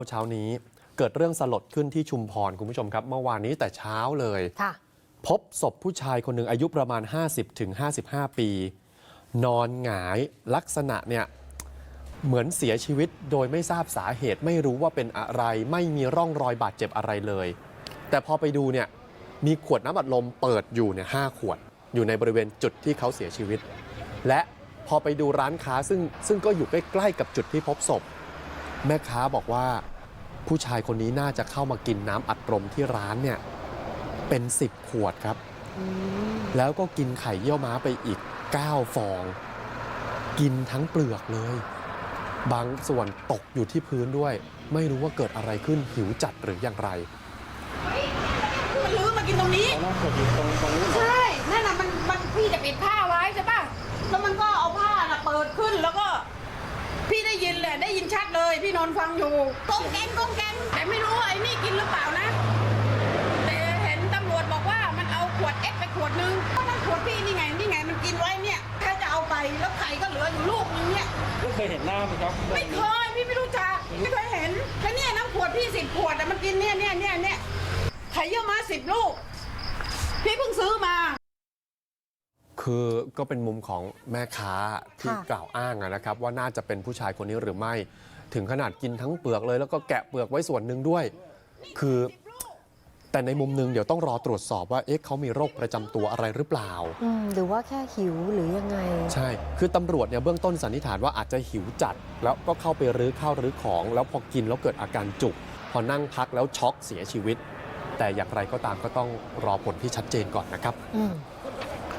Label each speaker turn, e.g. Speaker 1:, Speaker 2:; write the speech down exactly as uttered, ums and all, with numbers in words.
Speaker 1: เช้านี้เกิดเรื่องสลดขึ้นที่ชุมพรคุณผู้ชมครับเมื่อวานนี้แต่เช้าเลยพบศพผู้ชายคนหนึ่งอายุประมาณ ห้าสิบถึงห้าสิบห้า ปีนอนหงายลักษณะเนี่ยเหมือนเสียชีวิตโดยไม่ทราบสาเหตุไม่รู้ว่าเป็นอะไรไม่มีร่องรอยบาดเจ็บอะไรเลยแต่พอไปดูเนี่ยมีขวดน้ำอัดลมเปิดอยู่เนี่ยห้าขวดอยู่ในบริเวณจุดที่เขาเสียชีวิตและพอไปดูร้านค้าซึ่งซึ่งก็อยู่ใกล้ๆกับจุดที่พบศพแม่ค้าบอกว่าผู้ชายคนนี้น่าจะเข้ามากินน้ำอัดลมที่ร้านเนี่ยเป็นสิบขวดครับแล้วก็กินไข่เยี่ยวม้าไปอีกเก้าฟองกินทั้งเปลือกเลยบางส่วนตกอยู่ที่พื้นด้วยไม่รู้ว่าเกิดอะไรขึ้นหิวจัดหรืออย่างไร
Speaker 2: มันลื้อมากินตรงนี้ใช่นั่นน่ะมันมันพี่จะปิดผ้าไว้ใช่ป่ะแล้วมันก็เอาผ้าน่ะเปิดขึ้นแล้วก็พี่ได้ยินแหละได้ยินชัดเลยพี่นอนฟังอยู่ก้องแกงก้องแกงแต่ไม่รู้ไอ้นี่กินหรือเปล่านะแต่เห็นตำรวจบอกว่ามันเอาขวดเอ็กไปขวดนึงก็นั่นขวดพี่นี่ไงนี่ไงมันกินไว้เนี่ยแค่จะเอาไปแล้วไข่ก็เหลืออยู่ลูกนึงเนี่ย
Speaker 3: ไม่เคยเห็นหน้าไหมครับ
Speaker 2: ไม่เคยพี่ไม่รู้จักไม่เคยเห็นแล้วเนี่ยน้ำขวดพี่สิบขวดแต่มันกินเนี่ยเนี่ยเนี่ยเนี่ยไข่เยี่ยวม้าสิบลูกพี่เพิ่งซื้อมา
Speaker 1: คือก็เป็นมุมของแม่ค้าที่กล่าวอ้างนะครับว่าน่าจะเป็นผู้ชายคนนี้หรือไม่ถึงขนาดกินทั้งเปลือกเลยแล้วก็แกะเปลือกไว้ส่วนหนึ่งด้วยคือแต่ในมุมนึงเดี๋ยวต้องรอตรวจสอบว่าเอ๊ะเขามีโรคประจำตัวอะไรหรือเปล่า
Speaker 4: หรือว่าแค่หิวหรือยังไง
Speaker 1: ใช่คือตำรวจเนี่ยเบื้องต้นสันนิษฐานว่าอาจจะหิวจัดแล้วก็เข้าไปรื้อข้าวรื้อของแล้วพอกินแล้วเกิดอาการจุกพอนั่งพักแล้วช็อกเสียชีวิตแต่อย่างไรก็ตามก็ต้องรอผลที่ชัดเจนก่อนนะครับ